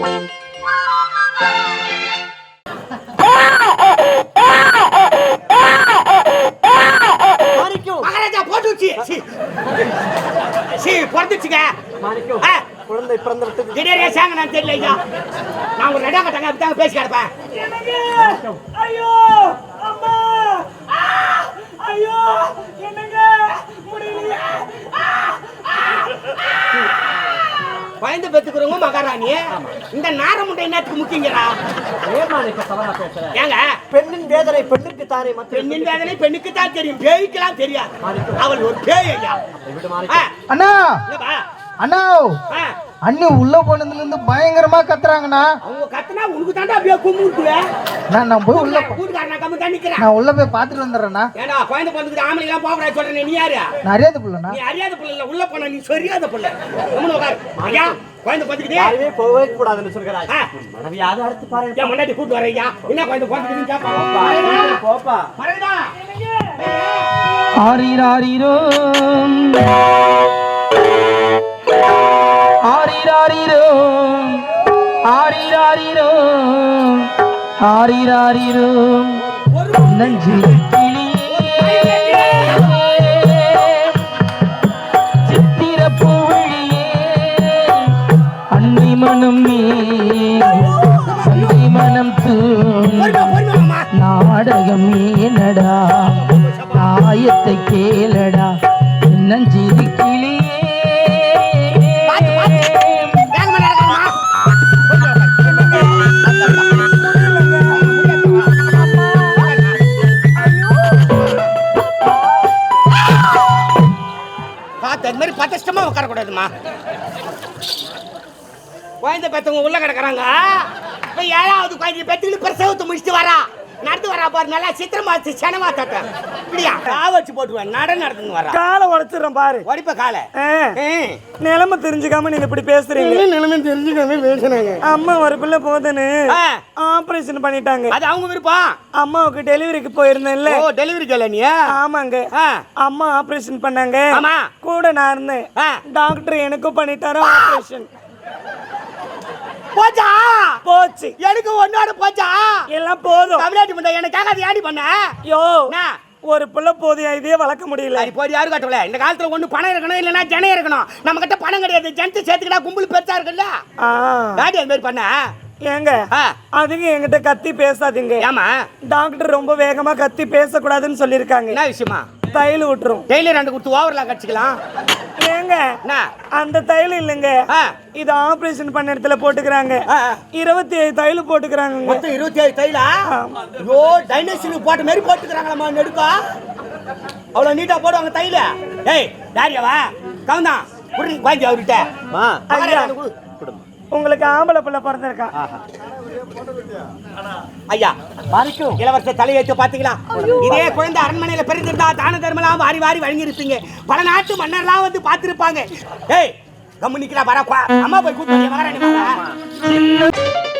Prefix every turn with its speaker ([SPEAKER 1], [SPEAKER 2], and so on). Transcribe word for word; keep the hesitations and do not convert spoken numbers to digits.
[SPEAKER 1] மகாராஜா போட்டுச்சு சி பொறுத்துச்சுங்க
[SPEAKER 2] குழந்தை பிறந்த
[SPEAKER 1] திடீரே சாங்க நான் தெரியல ஐயா நான் ஒரு ரெடா கட்டாங்க அப்படித்தாங்க பேசி கிடப்பேன் ஐயோ அம்மா ஐயோ என்னங்க முடியல பயந்து பெத்துக்கிறவங்க மகாராணி இந்த நாரமுண்டை என்னத்துக்கு முக்கியங்கடா ஏங்க
[SPEAKER 2] பெண்ணின் வேதனை பெண்ணுக்கு தானே
[SPEAKER 1] பெண்ணின் வேதனை பெண்ணுக்கு தான் தெரியும் பேய்க்கெல்லாம் தெரியாது அவள் ஒரு பேய் ஐயா
[SPEAKER 3] அண்ணா அண்ணா அண்ணி உள்ள போனதுல இருந்து பயங்கரமா கத்துறாங்கண்ணா.
[SPEAKER 1] அவங்க கத்துனா உனக்கு தாண்டா அப்படியே கும்பிட்டுவே.
[SPEAKER 3] நான் நான் போய் உள்ள
[SPEAKER 1] கூட்டுக்காரனா கம்மி தான் நிக்கிறேன்.
[SPEAKER 3] நான் உள்ள போய் பாத்துட்டு வந்துறேனா.
[SPEAKER 1] ஏடா குழந்தை பொண்ணுக்கு ஆம்பளை எல்லாம் போகறா சொல்றேன் நீ யாரு?
[SPEAKER 3] நான் அறியாத புள்ளனா.
[SPEAKER 1] நீ அறியாத புள்ள இல்ல உள்ள போனா நீ சரியாத புள்ள. கம்முனு உட்கார். ஐயா குழந்தை பொண்ணுக்கு
[SPEAKER 2] யாருமே போவே கூடாதுன்னு சொல்றாங்க. மனைவி யாரு அடுத்து பாருங்க.
[SPEAKER 1] ஏன் முன்னாடி கூட்டி வரேயா? என்ன குழந்தை பொண்ணுக்கு கேப்பா?
[SPEAKER 2] போப்பா.
[SPEAKER 1] மறடா.
[SPEAKER 3] ஆரிராரிரோ ஆரிராரிரோ ஆரிராரிரோ ஆரிராரிரோ நஞ்சி கிளியே சித்திர பூவிழியே அன்னி மனம் நீ அன்னி மனம் தூ நாடகம் ஏனடா நாயத்தை கேளடா நஞ்சிரி கிளியே
[SPEAKER 1] அது மாதிரி பதஷ்டமா உட்கார கூடாதுமா. குழந்தை பெற்றவங்க உள்ள கிடக்குறாங்க. இப்போ ஏழாவது குழந்தை பெற்றுக்கிட்டு பிரசவத்தை முடிச்சுட்டு வரா நடந்து வரா பாரு. நல்லா சித்திரமாச்சு சனமா தட்ட இப்படியா கா வச்சு போட்டுருவேன் நட நடந்துன்னு வரா.
[SPEAKER 2] காலை உடைச்சிடறேன் பாரு.
[SPEAKER 1] உடைப்ப காலை
[SPEAKER 2] நிலைமை தெரிஞ்சுக்காம நீங்க இப்படி பேசுறீங்க.
[SPEAKER 1] நிலைமை தெரிஞ்சுக்காம பேசுறாங்க.
[SPEAKER 2] அம்மா ஒரு பிள்ளை போதுன்னு ஆபரேஷன் பண்ணிட்டாங்க.
[SPEAKER 1] அது அவங்க விருப்பம்.
[SPEAKER 2] அம்மாவுக்கு டெலிவரிக்கு போயிருந்தேன்ல.
[SPEAKER 1] ஓ டெலிவரி கேல நீ?
[SPEAKER 2] ஆமாங்க. அம்மா ஆபரேஷன் பண்ணாங்க.
[SPEAKER 1] ஆமா
[SPEAKER 2] கூட நான் இருந்தேன். டாக்டர் எனக்கும் பண்ணிட்டாரு ஆபரேஷன்.
[SPEAKER 1] போச்சா
[SPEAKER 2] போச்சு.
[SPEAKER 1] எனக்கு ஒன்னோட போச்சா எல்லாம் போதும். தமிழ்நாட்டு முண்டை எனக்காக அதை ஆடி பண்ண யோ
[SPEAKER 2] ஒரு புள்ள போதும் இதே வளர்க்க முடியல.
[SPEAKER 1] போது யாரு கட்டல இந்த காலத்துல ஒண்ணு பணம் இருக்கணும் இல்லைன்னா ஜனம் இருக்கணும். நம்ம கிட்ட பணம் கிடையாது. ஜனத்தை சேர்த்துக்கிட்டா கும்பல் பெருசா இருக்குல்ல. டாடி அந்த மாதிரி பண்ண
[SPEAKER 2] ஏங்க அதுக்கு என்கிட்ட கத்தி பேசாதீங்க.
[SPEAKER 1] ஏமா
[SPEAKER 2] டாக்டர் ரொம்ப வேகமா கத்தி பேசக்கூடாதுன்னு சொல்லியிருக்காங்க.
[SPEAKER 1] என்ன விஷயமா? தையல்
[SPEAKER 2] விட்டுரும்.
[SPEAKER 1] டெய்லி ரெண்டு கொடுத்து ஓவர்லாம் கடிச்சிக்கலாம்.
[SPEAKER 2] ஏங்க அந்த தையல் இல்லைங்க, இது ஆபரேஷன் பண்ண இடத்துல போட்டுக்கிறாங்க. இருபத்தி ஏழு தையல் போட்டுக்கிறாங்க.
[SPEAKER 1] மொத்தம் இருபத்தி ஏழு தையலா? ஐயோ டைனோசர் போட்ட மாதிரி போட்டுக்கிறாங்களா நெடுக்கா? அவ்வளவு நீட்டா போடுவாங்க தையல. ஏய் டாரியாவா கவுந்தா புடி வாங்கி அவர்கிட்ட மா
[SPEAKER 2] உங்களுக்கு ஆம்பளை பிள்ளை பிறந்திருக்கான்.
[SPEAKER 1] ஐயா வரைக்கும் இளவரசர் தலையெழுத்து பாத்தீங்களா? இதே குழந்தை அரண்மனையில பிறந்திருந்தா தான தர்மலாம் வாரி வாரி வழங்கி இருப்பீங்க. பல நாட்டு மன்னர்லாம் வந்து பாத்துருப்பாங்க. ஏய் கம்முனிக்கிறா வரப்பா அம்மா போய் கூப்பிட்டு மகாராணி.